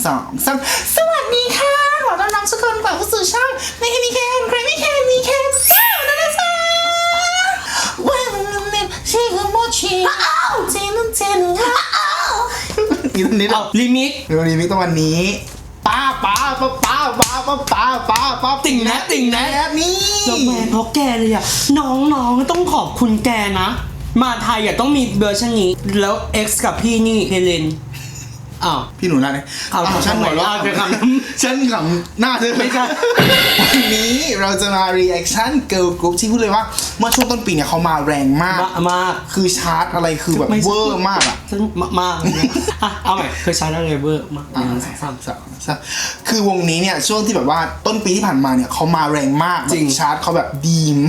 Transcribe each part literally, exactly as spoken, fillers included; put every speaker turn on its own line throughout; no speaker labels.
สองสามสวัสดีค่ะขอต้อนรับทุกคนกลับเข้าสู่ช่องไม่มีแคนใครไม่แคนมีแคนเจ้านะนะจ๊ะว่ามันเน็ตชื่อโมชิอ้าวเจนุเจนุอ้าวนี่ตอนนี้เราลิมิกเดี๋ยวลิมิกตอนวันนี้ป้าป้าป้าป้าป้าป้าป้าป้าป้าติ่งนะติ่งนะนี่
แล้วแม่เพราะแกเลยอ่ะน้องๆต้องขอบคุณแกนะมาไทยอ่ะต้องมีเวอร์ชันนี้แล้ว X กับพี่นี่เฮเลนอ้าว
พี่หนูน่าเลย
เอา
ฉันหัวเราะจะทำฉันขำหน้าเธอไม่ใช่วันนี้เราจะมา reaction girl group ที่พูดเลยว่าเมื่อช่วงต้นปีเนี่ยเขามาแรงมาก
มาก
คือชาร์ตอะไรคือแบบเวอร์มากอ่ะ
มากอ่ะเอาใหม่คือชาร์ตอะไรเวอร์มากสามสาม
สามคือวงนี้เนี่ยช่วงที่แบบว่าต้นปีที่ผ่านมาเนี่ยเขามาแรงมากจริงชาร์ตเขาแบบดีม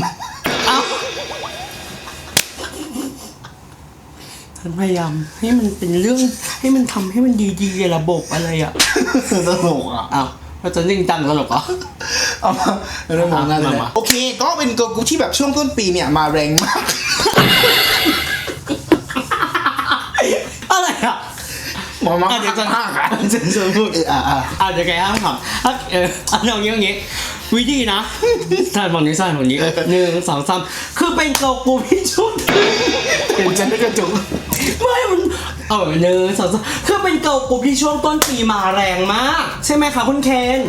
ฉันพยายามให้มันเป็นเรื่องให้มันทำให้มันดีๆระบบอะไรอ่ะ
ตลกอ่ะ
อ้าวเราจะนิ่งจังตลกเหรอ
เอามาเรื่องมองหน้าเลยโอเคก็เป็นเกิร์ลกรุ๊ปที่แบบช่วงต้นปีเนี่ยมาแรงมาก
อะไรอ่ะ
หมอมาเดี๋ยวจะห้ามอ่ะจะจะพูดอ่ะอ่ะ
อ่ะเดี๋ยวแกห้ามถามเออเอาอย่างงี้อย่างงี้วิธีนะใช่ฝั่งนี้ใช่ฝั่งนี้หนึ่งสองสามคือเป็นเกิร์ลกรุ๊ปที่ชุด
เห็นฉันได้กระจุก
ไม่มันเออหนึ่งสองสามคือเป็นเกิร์ลกรุ๊ปที่ช่วงต้นปีมาแรงมากใช่ไหมคะคุณเคน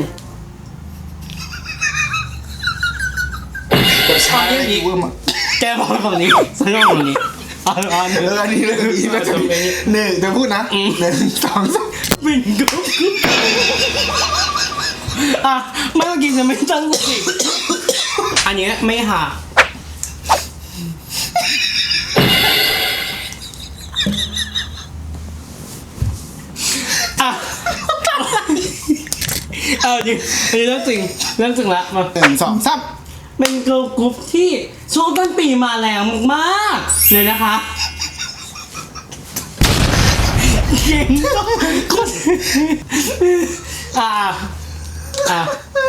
ใช่นี้
แกบอกฝั่งนี้ฉันบอกฝั่งนี้
อันอันเอออันนี้เลยอีกแบบหนึ่งเดี๋ยวพูดนะหนึ่งสองสาม
เป็นเกิร์ลกรุ๊ปอ่ะเมื่อกี้จะไม่ตั้งสติอันนี้ไม่หาอ่ะเออจริงอันนี้เรื่องจริงเรื่องจริงละมา
หนึ่งสองสาม
เป็นเกิร์ลกรุ๊ปที่ช่วงต้นปีมาแรงมากเลยนะคะเก่งคนอ่ะอ่ะ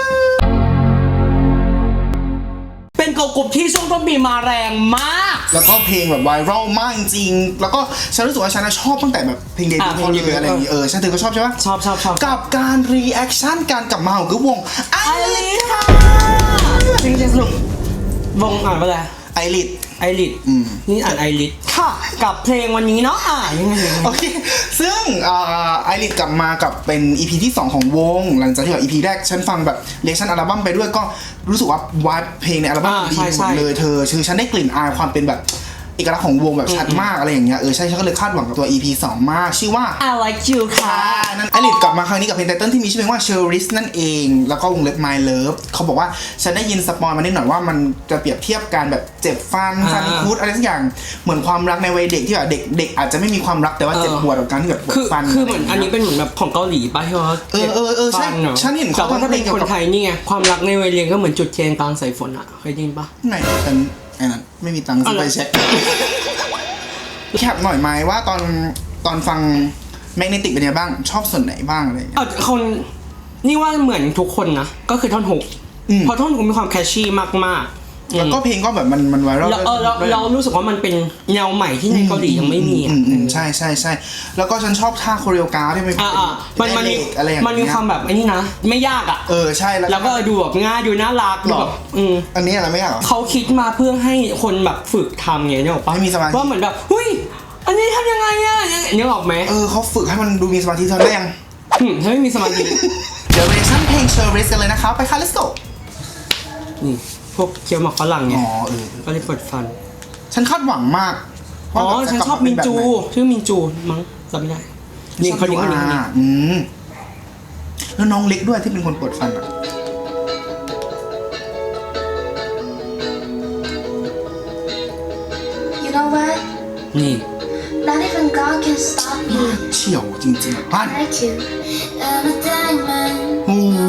เป็นเกิร์ลกรุ๊ปที่ช่วงต้นปีมาแรงมาก
แล้วก็เพลงแบบไวรัลมากจริงแล้วก็ฉันรู้สึกว่าฉันชอบตั้งแต่แบบเพลงเดบิวต์เขาเลยอะไรอย่างงี้เออฉันเธอก็ชอบใช่ปะ
ชอบชอบชอบ
กับการรีแอคชั่นการกลับมาของกรุ๊ปวงไอริสค่ะ
จริงๆสรุปวงอ่านว่าอะไร
ไอริส
ไอริสนี่อ่านไอริสค่ะกับเพลงวันนี้เนาะอ่ะยังไง
โอเคซึ่งไอริสกลับมากับเป็น อี พี ที่สองของวงหลังจากที่แบบ อี พี แรกฉันฟังแบบเรียกชั่นอัลบั้มไปด้วยก็รู้สึกว่าวายเพลงในอัลบั้มดีหมดเลยเธอคือฉันได้กลิ่นอายความเป็นแบบเอกลักษณ์ของวงแบบชัดมากอะไรอย่างเงี้ยเออใช่ฉันก็เลยคาดหวังกับตัว อี พี สองมากชื่อว่า
I like you ค่ะ
นั่นไอริสกลับมาครั้งนี้กับเพลงไตเติ้ลที่มีชื่อเพลงว่า Cherish นั่นเองแล้วก็วงเล็บ My Love เขาบอกว่าฉันได้ยินสปอยมานิดหน่อยว่ามันจะเปรียบเทียบการแบบเจ็บฟันฟันคุดอะไรสักอย่างเหมือนความรักในวัยเด็กที่แบบเด็กเด็กอาจจะไม่มีความรักแต่ว่าเจ็บปวดกับการที่แบบปวดฟัน
คือเหมือนอันนี้เป็นเหมือนแบบของเกาหลีป่ะที่ว่า
เออเออเออใช่ฉันเห็นเขา
ถ้าเป็นคนไทยนี่ไงความรักในวัยเรียนก็เหมือนจุดเทียนกลางสายฝนอ่ะเคยได้ยินป่ะ
ไหนฉันไอ้นั่นไม่มีตังค์ซื้อไปเช็คแคปหน่อยไหมว่าตอนตอนฟังแมกเนติกเป็นยังไงบ้างชอบส่วนไหนบ้างอะไรอย่างเงี้ย
คนนี่ว่าเหมือนทุกคนนะก็คือท่อนหกเพราะท่อนหกมีความแคชชี่มากๆ
แล้วก็เพลงก็แบบมันมันไวรัล
เราเรารู้สึกว่ามันเป็นแนวใหม่ที่ในเกาหลียังไม่มีอ่ะ
ใช่ใช่ใช่แล้วก็ฉันชอบท่าโคเรียกราฟที่มัน
มันมันมีมันมีความแบบไอ้นี่นะไม่ยากอ่ะ
เออใช่
แล้วก็ดูแบบง่ายดูน่ารักแบบ
อันนี้อะไรไม่ยาก
เขาคิดมาเพื่อให้คนแบบฝึกทำไงเนี่ยหรอปะ
ให้มีสมาธิ
ว่าเหมือนแบบเฮ้ยอันนี้ทำยังไงอ่ะนึกออกไหม
เออเขาฝึกให้มันดูมีสมาธิเธอได้ยัง
ถ้าไม่มีสมาธิ
เดี๋ยวเรชั่นเพลง Cherish กันเลยนะคะไปค่ะ let's go
นี่พวกเคี้ยวหมักฝรั่งไง
อ๋อเออ
ก็เลยปวดฟัน
ฉันคาดหวังมาก
อ๋อฉันชอบมินจูชื่อมินจูมั้งจำไม่ได้นี่เขาดีเขาดีเขาดี
อืมแล้วน้องเล็กด้วยที่เป็นคนปวดฟันอ่ะ
นี่
เฉียวจริงๆพันโอ้โห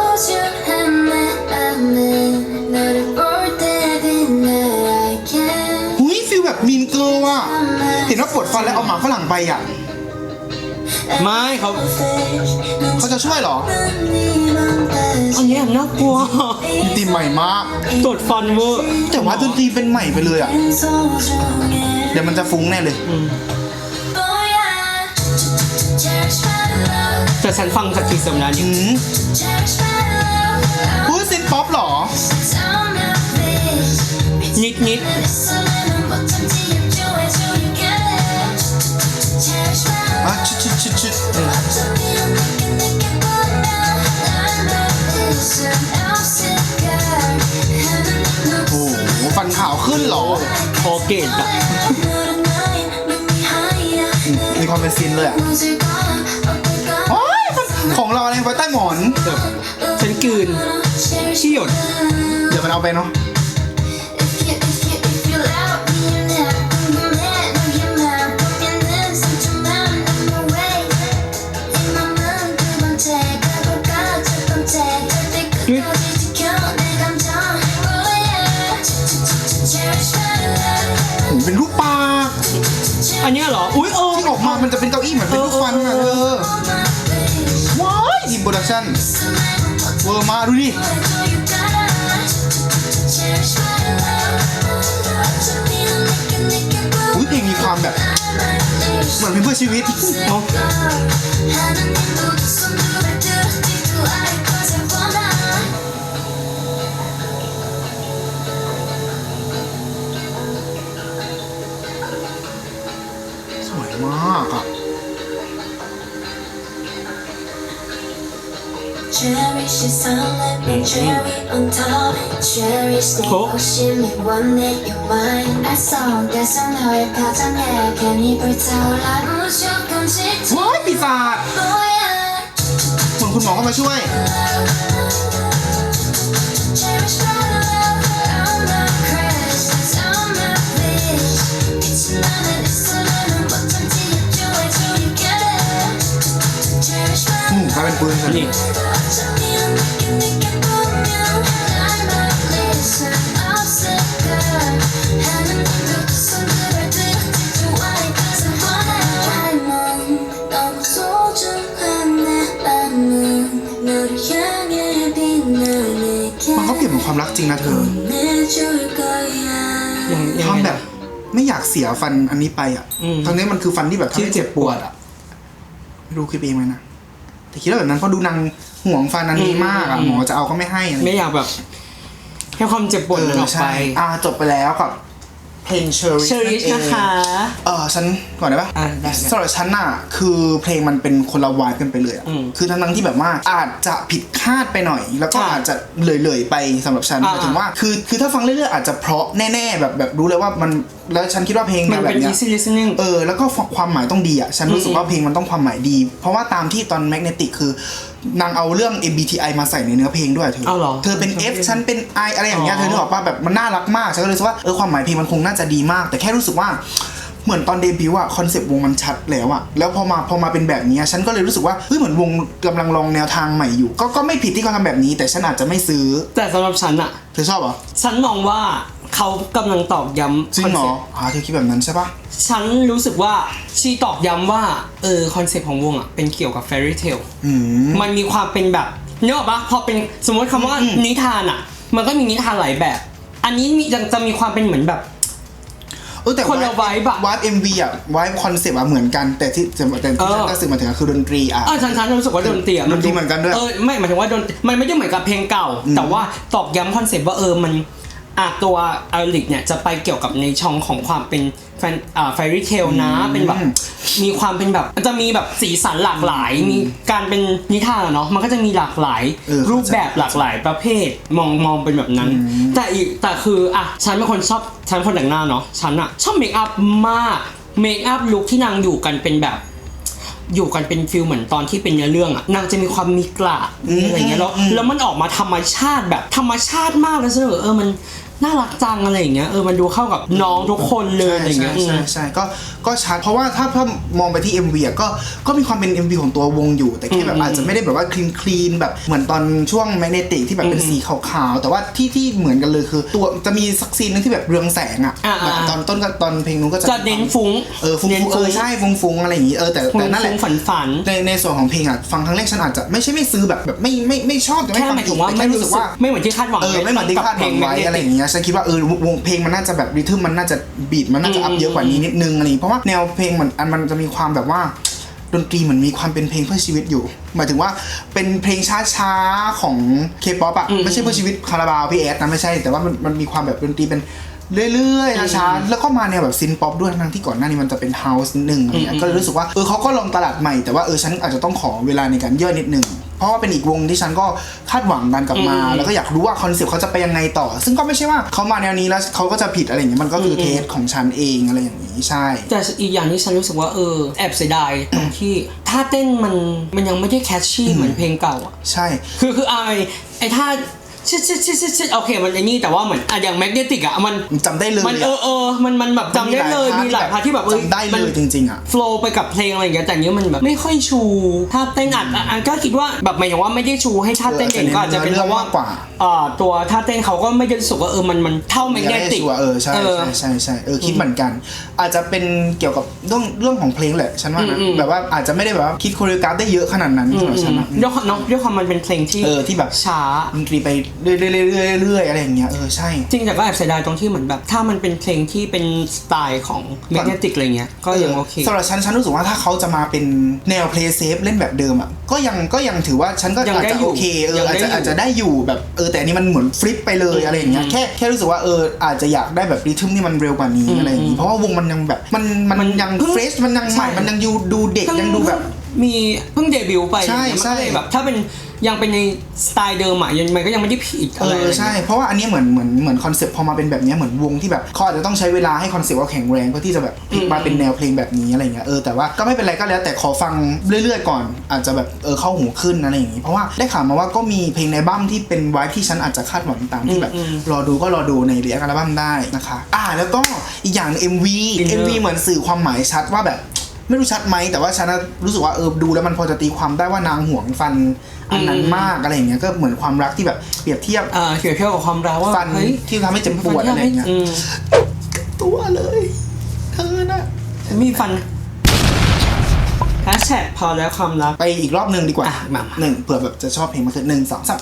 หุยฟีลแบบมีนเกิร์ลอ่ะเห็นว่าปวดฟันแล้วเอาหมาฝรั่งไปอ่ะ
ไม่เขา
เขาจะช่วยเหรอ
อันนี้น่ากลัว
ดนตรีใหม่มาก
ปวดฟันเวอร์
แต่ว่าดนตรีเป็นใหม่ไปเลยอ่ะเดี๋ยวมันจะฟุ้งแน่เลย
แต่ฉันฟังจากทีเซอร์แล้วนี่
พูดซินป๊อปเหรอ
นิดนิด
อ่ะชิดชิดชิดชิดโอ้โหฟันขาวขึ้นเหรอ
คอเกตอะ
มีความเป็นซินเลยอ่ะโอ้ยของเราอะไรไว้ใต้หมอน
แบบฉันกลืนขี้หยด
เดี๋ยวมันเอาไปเนาะเป็นรูปปลา
อันเนี้ยเหรอ อุ้ยเออ
ที่ออกมามันจะเป็นเก้าอี้เหมือนเป็นรูปฟันอ่ะเธอว้ายอินโปรดักชั่นเวอร์มาดูดิอุ้ยเพลงมีความแบบเหมือนเพลงเพื่อชีวิต
เอา
สวยมากอ่ะ
Cherish the sunlight and cherry on top. Cherish 내 호심이 원해 your mind. I saw there's 너의 표정에 괜히 불타올라 무조건 짙은
ว้ายปีศาจ
뭐야.
เหมือนคุณหมอเข้ามาช่วย
Cherish my love, all my cravings, all my wish. 빛이 나는 이 순간은 어쩐지 좋아져 you get it. Cherish my
อืมกลายเป็นปืนฉัน
นี่
어차피 안 느낀 느껴 보면 날만 listen 없을까 하는 눈도 두 손들을 들지 why cause I wanna 닮은 너무 소중한 내 맘은 너를 향해 빛나게
มันก็เปลี่ยนเป็นความรักจริงนะเธอ
내줄 거야
ยังยัง
ความ
ไง
แบบไม่อยากเสียฟันอันนี้ไปอ่ะ
อืม
ทั้งนี้มันคือฟันที่แบบทำ
ที่
ให้
เจ็
เจ็
บบ ป
ป
ว
ว
ด
ดอ่ะไม่รู้คลิปเองไหมนะแต่คิดว่าแบบนั้นเพราะดูนางห่วงฟันอันนี้มากอ่ะหมอจะเอาก็ไม่ให้อะไร
ไม่อยากแบบให้ความเจ็บปวดมันออกไป
ใช่อ่าจบไปแล้วกับเพลง Cherish
เชอริชนะคะ
เออฉันก่อนได้ปะ
อ่ะได้
สำหรับฉันน่ะคือเพลงมันเป็นคนละวายกันไปเลยอ่ะ
อืม
คือทั้งๆที่แบบว่าอาจจะผิดคาดไปหน่อย แล้วก็
อ่ะ
อาจจะเลยๆไปสำหรับฉัน
อ่ะ
หมายถึงว่าคือคือถ้าฟังเรื่อยๆอาจจะเพราะแน่ๆแบบแบบรู้เลยว่ามันแล้วฉันคิดว่าเพลง
มัน
แบ
เป็น
บเนี้ย
easy listening
เออแล้วก็ความหมายต้องดีอ่ะฉันรู้สึกว่า
อืม
เพลงมันต้องความหมายดี เพราะว่าตามที่ตอน Magnetic คือนางเอาเรื่อง เอ็ม บี ที ไอ มาใส่ในเนื้อเพลงด้วยเธอ
เอาเหรอ
เธอเป็น F ฉันเป็น I อะไรอย่างเงี้ย
อ๋อ
เธอนึกออกป่ะแบบมันน่ารักมากฉันก็เลยรู้สึกว่าเออความหมายเพลงมันคงน่าจะดีมาก แต่แค่รู้สึกว่าเหมือนตอนเดบิวต์อะคอนเซปต์วงมันชัดแล้วอะแล้วพอมาพอมาเป็นแบบนี้ฉันก็เลยรู้สึกว่าเฮ้ยเหมือนวงกำลังลองแนวทางใหม่อยู่ ก็ก็ไม่ผิดที่เขาทำแบบนี้ แต่ฉันอาจจะไม่ซื้อ
แต่สำหรับฉันอะ
เธอชอบเหรอ
ฉันมองว่าเขากำลังตอกย้ำ
จริงเหรอ
คอนซ็ปต์
อ่าเธอคิดแบบนั้นใช่ปะ
ฉันรู้สึกว่าชีตอกย้ำว่าเออคอนเซ็ปต์ของวงอะเป็นเกี่ยวกับ fairy tale
อืม
มันมีความเป็นแบบเนกอะปะพอเป็นสมมติคำว่า
อืม
นิทานอะมันก็มีนิทานหลายแบบ อันนี้มียังจะมีความเป็นเหมือนแบบ
เออแต่
คนละ vibe อะ
วายเอ็มวีอะวายคอนเซปต์อะเหมือนกันแต่ที่แต่แต่ที่ฉันก็สื่อมาถึงอะคือดนตรีอะ
เออฉันฉันรู้สึกว่าดนตรีอะ
ดนตรีเหมือนกันด้วย
เออไม่หมายถึงว่าดนมันไม่ได้เหมือนกับเพลงเก่า แต่ว่าตอกย้ำคอนเซ็ปต์ว่าเออมันอ่ะตัวอาริกเนี่ยจะไปเกี่ยวกับในช่องของความเป็นแฟนอ่า fairy tale นะเป็นแบบมีความเป็นแบบมันจะมีแบบสีสันหลากหลาย มีการเป็นนิทานอะเนาะมันก็จะมีหลากหลาย
เออ
รูปแบบหลากหลายประเภทมองมองเป็นแบบนั้น แต่อีกแต่คืออ่ะฉันเป็นคนชอบฉันเป็นคนแต่งหน้าเนาะฉันอะชอบเมคอัพมากเมคอัพลุคที่นางอยู่กันเป็นแบบ อยู่กันเป็นฟิลเหมือนตอนที่เป็นเนื้อเรื่องอะนางจะมีความมีกระมีอะไรเงี้ยแล้วแล้วมันออกมาธรรมชาติแบบธรรมชาติมากเลยเสนอเออมันน่ารักจังอะไรอย่างเงี้ยเออมันดูเข้ากับน้องทุกคนเลยอะไร
ใช่
เงี้ย
ใช่ใช่ก็ก็ชัดเพราะว่าถ้าถ้ามองไปที่ เอ็ม วี อ่ะก็ก็มีความเป็น เอ็ม วี ของตัววงอยู่ แต่แค่แบบอาจจะไม่ได้แบบว่าคลีนคลีนแบบเหมือนตอนช่วงแมกเนติกที่แบบเป็นสีขาวๆแต่ว่าที่ที่เหมือนกันเลยคือตัวจะมีสักซีนนึงที่แบบเรืองแสงอ่ะ
อ่าๆ
แบบตอนต้นกับตอนเพลงนู้นก็จะ
จะเน้นฟุ้ง
เออฟุ้ง
เน้น
ๆเอ
ฟุ้
อง ใช่ฟุ้งฟุ้งๆอะไรอย่างงี้เออแต่แต่นั่นแหละ
ฟุ้งๆฝันๆ
ในในส่วนของเพลงอ่ะฟังครั้งแรกฉันอาจจะไม่ใช่ไม่ซื้อแบบแบบไม่ไม่ไม่ชอบแต่ไม่
แค่
ฟัง
หมายถึ
อี
ง
ก
ว่า
แต่
ไม่
แค่
รู้
รู้
สึ
สึ
ก
กว่า
ไม่เหมือนที่คาดหวัง
เออไม่เหมือนที่คาดหวังไว้อะไรอย่างเงี้ยฉันคิดว่าเออวงเพลงมันน่าจะแบบริทึมมันน่าจะบีทมันน่าจะอัพเยอะกว่านี้นิดนึงอะไรอย่างงี้เพราะว่าแนวเพลงมันอันมันจะมีความแบบว่า
ดนตรีเหมือนมีความเป็นเพลงเพื่อชีวิตอยู่หมายถึงว่าเป็นเพลงช้าๆของ K-pop อ่ะไม่ใช่เพื่อชีวิตคาราบาวพี่แอดนะไม่ใช่แต่ว่ามันมันมีความแบบดนตรีเป็นเรื่อยๆช้าๆแล้วก็มาแนวแบบซินป๊อปด้วยทั้งที่ก่อนหน้านี้มันจะเป็นเฮาส์นิดนึงอะไรเงี้ยก็เลยรู้สึกว่าเออเขาก็ลองตลาดใหม่แต่ว่าเออฉันอาจจะต้องขอเวลาในการย่อยนิดนึงเพราะว่าเป็นอีกวงที่ฉันก็คาดหวังกันกลับมาแล้วก็อยากรู้ว่าคอนเซ็ปต์เขาจะไปยังไงต่อซึ่งก็ไม่ใช่ว่าเขามาแนวนี้แล้วเขาก็จะผิดอะไรอย่างเงี้ยมันก็คือเทสของฉันเองอะไรอย่างนี้ใช่
แต่อีกอย่างที่ฉันรู้สึกว่าเออแอบเสียดายตรงที่ท่าเต้นมันมันยังไม่ได้แคชชี่เหมือนเพลงเก่าอ่ะ
ใช่
คือคือไอไอท่าชิดชิดชิดชิดชิดโอเคมันไอ้นี่แต่ว่าเหมือนอ่ะอย่างแมกเนติกอ่ะมัน
จำได้เลย
มันเออเออมันมันแบบจำได้เลยมีหลายพาร์ทที่แบบ
จำได้เลยจริงๆอ่ะ
โฟล์ไปกับเพลงอะไรอย่างเงี้ยแต่เนี้ยมันแบบไม่ค่อยชูท่าเต้นอัดอันก็คิดว่าแบบหมายถึงว่าไม่ได้ชูให้ท่าเต้นเองก็อาจจะเป็นเพราะว่าอ่าตัวท่าเต้นเขาก็ไม่ได้รู้สึกว่าเออมันมันเท่าแมกเนติก
เออใช่ใช่ใช่ใช่เออคิดเหมือนกันอาจจะเป็นเกี่ยวกับเรื่องเรื่องของเพลงแหละฉันว่านะแบบว่าอาจจะไม่ได้แบบว่าคิดโคเรียกราฟได้เยอะขนาดนั้นสำหรับฉันนะ
ด้วยความด้วยความมันเป็นเพลงที่
เออที่แบบ
ช้า
ดนตรีไปเรื่อยๆเรื่อยๆอะไรอย่างเงี้ยเออใช่
จริงแต่ก็แอบเสียดายตรงที่เหมือนแบบถ้ามันเป็นเพลงที่เป็นสไตล์ของแมกเนติกอะไรเงี้ยก็ยังโอเค
สำหรับฉันฉันรู้สึกว่าถ้าเขาจะมาเป็นแนวเพลย์เซฟเล่นแบบเดิมอ่ะก็ยังก็ยังถือว่าฉันก็อาจจะโอเคเอออาจจะอาจจะได้อยู่แบบเออแต่อันนี้มันเหมือนฟลิปไปเลยอะไรอย่างเงี้ยแค่แค่รู้สึกว่าเอออาจจะอยากได้แบบริทึมที่มันเร็วกว่านี้อะไรอย่างงี้เพราะว่าวงมันยังแบบมันมันยังเฟรชมันยังใหม่มันยังดูเด็กยังดูแบบ
มีเพิ่งเดบิวต์ไป
ใช่ใช่
แบบถ้าเป็นยังเป็นในสไตล์เดิมอ่ะยังมันก็ยังไม่ได้ผิดอะไร
เออใช่เพราะว่าอันนี้เหมือนเหมือนเหมือนคอนเซ็ปต์พอมาเป็นแบบนี้เหมือนวงที่แบบเขาอาจจะต้องใช้เวลาให้คอนเซ็ปต์ว่าแข็งแรงเพื่อที่จะแบบพลิกมาเป็นแนวเพลงแบบนี้อะไรเงี้ยเออแต่ว่าก็ไม่เป็นไรก็แล้วแต่ขอฟังเรื่อยๆก่อนอาจจะแบบเออเข้าหูขึ้นอะไรอย่างงี้เพราะว่าได้ข่าวมาว่าก็มีเพลงในบั้มที่เป็นไวท์ที่ฉันอาจจะคาดหวังตามที่แบบรอดูก็รอดูในเรียกอัลบั้มได้นะคะอ่าแล้วก็อีกอย่าง เอ็ม วี เอ็ม วี เหมือนสื่อความหมายชัดว่าแบบไม่รู้ชัดไหมแต่ว่าฉันรู้สึกว่าเออดูแล้วมันพอจะตีความได้ว่านางห่วงฟันอันนั้นมากอะไรอย่างเงี้ยก็เหมือนความรักที่แบบเปรียบเทียบ
อ่าเปรียบเทียบกับความรักว่า
ฟันที่ทำให้เจ็บปวดอะไรอย่างเงี้ยตัวเลยเธอน่ะ
มีฟันแฮชแท็กพอแล้วความรัก
ไปอีกรอบหนึ่งดีกว่าหนึ่งเผื่อแบบจะชอบเพลงมาคือหนึ่งสองสาม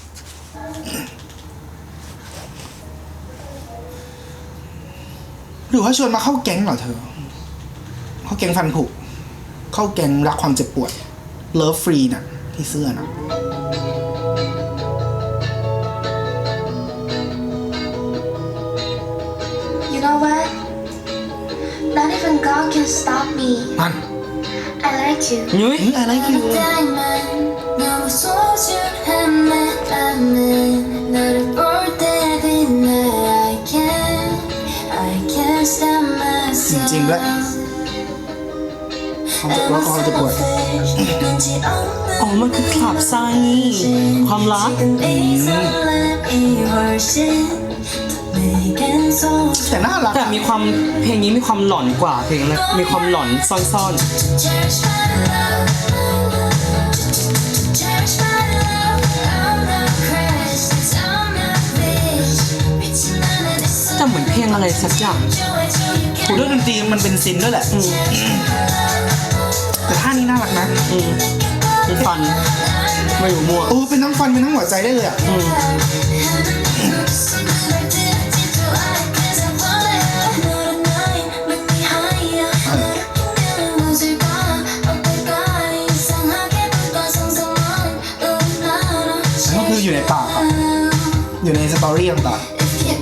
หรือว่าชวนมาเข้าแก๊งเหรอเธอเข้าแก๊งฟันผุเข้าแก๊งรักความเจ็บปวดเลิฟฟรีน่ะที่เสื้อนะ
You know what? Not even God can stop me.
มัน
I like you.
นุ้ย
I like you.
너무 소중한 마음은 너를 볼 때마다 I can't, I can't stop myself.
จริงๆด้วยความเจ็บปวดความเจ็บปวด
อ๋อมันคือคลับซานี่ความรัก
แต่น่ารัก
แต่มีความเพลงนี้มีความหลอนกว่าเพลงนะมีความหลอนซ่อนๆแต่เหมือนเพลงอะไรสักอย่าง
ถูกด้วยดนตรีมันเป็นซินด้วยแหละแต่ท่านี้น่ารักนะ
เป็นฟันไม่อยู่มั่ว
โอ้เป็นทั้งฟันเป็นทั้งหัวใจได้เลยอ่ะก็คืออยู่ในปากอ่ะอยู่ในสตอรี่ต่างๆ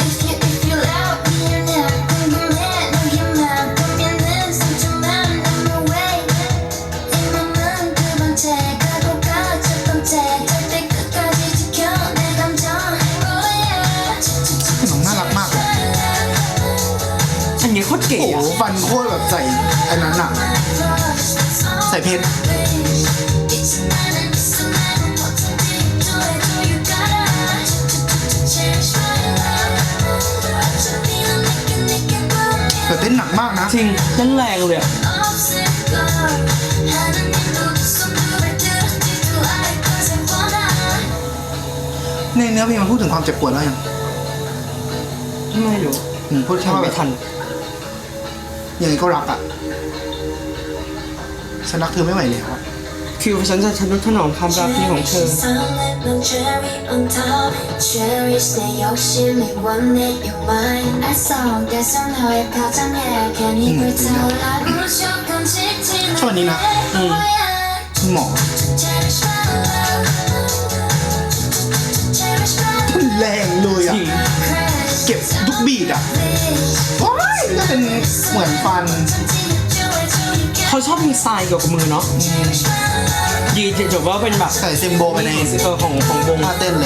โคตรเก๋อะ
ฟันโคตรแบบใส่อันนั้นอะใส่เพชรแต่เต้นหนักมากนะ
จริงเต้นแรงเลยอะ
ในเนื้อเพลงมันพูดถึงความเจ็บปวดแล้วยัง
ไม่รู้
พูดแค่ว่าไม่ทันยังไงก็รักอ่ะฉันรักเธอไม่ไหวแล้วอ่ะ
คิวฉันจะทะนุถนอมความรักนี้ของเธอ
ชอบอันนี้นะคุณหมอแรงเลยอ่ะ
จริง
เก็บทุกบีดอ่ะว้ายก็เป็นเหมือนฟัน
เขาชอบดีไซน์เกี่ยวกับมือเนาะดีจบว่าเป็นแบบ
ใส่ซิมโบไปใน
เออของของวง
ท่าเต้นเลย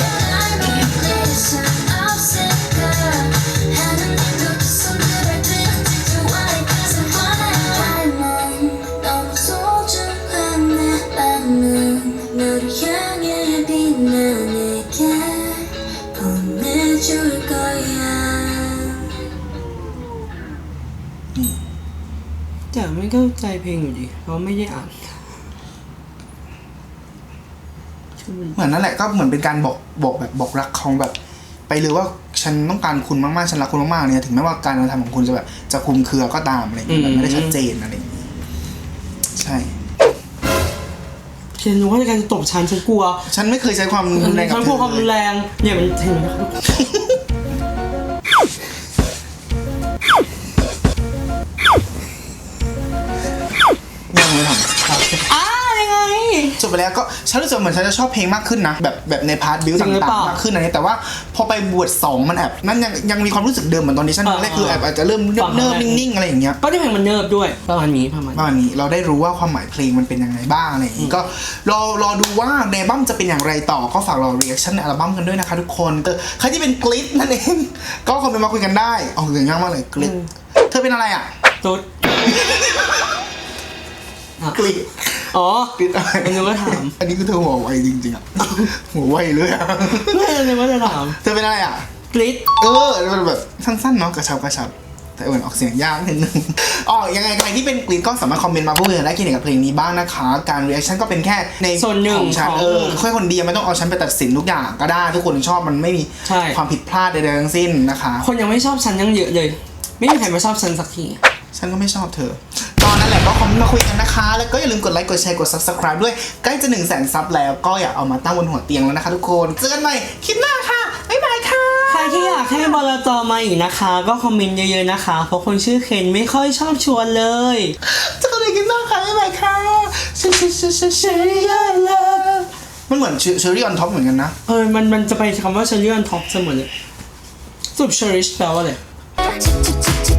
แต่ไม่เข้าใจเพลงอยู่ดีเพราะไม่ได้อ่าน
เหมือนนั่นแหละก็เหมือนเป็นการบอกบอกแบบบอกรักของแบบ ไปเลยว่าฉันต้องการคุณมากๆฉันรักคุณมากๆเนี่ยถึงแม้ว่าการกระทำของคุณจะแบบจะคลุมเครือก็ตามอะไรอย่างเงี้ยแบบไม่ได้ชัดเจนอะไรอย่างเงี้ยใช่
เทียนรู้ว่าในการจะตบฉันฉันกลัว
ฉันไม่เคยใช้ความรุนแรงกับ
ฉัน
เธ
กลัว
อ
ความรุน
เลย
แรงเนี่ยมันเห็นไหมครับ
ยังไม่ทำ
อ้ายังไง
จบไปแล้วก็ฉันรู้สึกเหมือนฉันจะชอบเพลงมากขึ้นนะแบบแบบในพาร์ทบิว
จริงหรือ
ต่า
เป
ง
ล่า
ๆมากขึ้นอะไรเงี้ยแต่ว่าพอไปบวชสองมันแอบนั่นยังยังมีความรู้สึกเดิมเหมือนตอนนี้ฉัน
เออ
แรกคือแอบอาจจะเริ่ม
ฟัง
เนิบ
ครั้งแรก
ๆนิ่งๆอะไรอย่างเงี้ย
ก็ได้เพลงมันเนิบด้วยประมาณนี้ประมาณ
ประมาณนี้เราได้รู้ว่าความหมายเพลงมันเป็นยังไงบ้างอะไรอย่างงี้ก็รอรอดูว่าในอัลบั้มจะเป็นอย่างไรต่อก็ฝากรอรีแอคชั่นในอัลบั้มกันด้วยนะคะทุกคนเออใครที่เป็นกลิดนั่นเองก็คอมเมนต์มาคุยกันได้อ๋อเรื่องยากมากเลยกลิดเธอเป็นอะไรอ่ะ
ตุ๊ด
กลิด
อ๋อก
ลิดอะไร
มันนึกว่าถาม
อันนี้คือเธอหัวไวจริงๆอ่ะหัวไวเลยอ่ะ
ไม่นึกว่าจะถาม
เธอเป็นอะไรอ่ะ
กริ๊ด
เออมันแบบสั้นๆเนาะกระชับกระชับแต่เหมือนออกเสียงยากนิดนึงอ๋อยังไงใครที่เป็นกรีนก็สามารถคอมเมนต์มาพูดคุยกันได้เกี่ยวกับเพลงนี้บ้างนะคะการรีแอคชั่นก็เป็นแค่ใน
ส่วนหนึ่ง
ของฉัน
ของ
เออแค่คนเดียวไม่ต้องเอาฉันไปตัดสินทุกอย่างก็ได้ทุกคนชอบมันไม่มี
ใช่
ความผิดพลาดใดๆทั้งสิ้นนะคะ
คนยังไม่ชอบฉันยังเยอะเลย ไม่มีใครมาชอบฉันสักที
ฉันก็ไม่ชอบเธอตอนนั้นแหละก็คอมเมนต์มาคุยกันนะคะแล้วก็อย่าลืมกดไลค์กดแชร์กด ซับสไครบ์ ด้วยใกล้จะหนึ่งแสนซับแล้วก็อย่าเอามาตั้งบนหัวเตียงแล้วนะคะทุกคนเจอกันใหม่คลิปหน้าค่ะบ๊ายบายค่ะ
ใครที่อยากให้บลจมาอีกนะคะ ก็คอมเมนต์เยอะๆนะคะ เพราะคนชื่อเคนไม่ค่อยชอบชวนเลย
เจอกันในคลิปหน้าค่ะบ๊ายบายค่ะเชเชเชเชเชมันเหมือนเชอรี่ออนท็อปเหมือนกันนะ
เออมันมันจะไปคำว่าเชอรี่ออนท็อปเสมอเลยสรุปเชอริชแปลว่าอะไร
Choo choo choo choo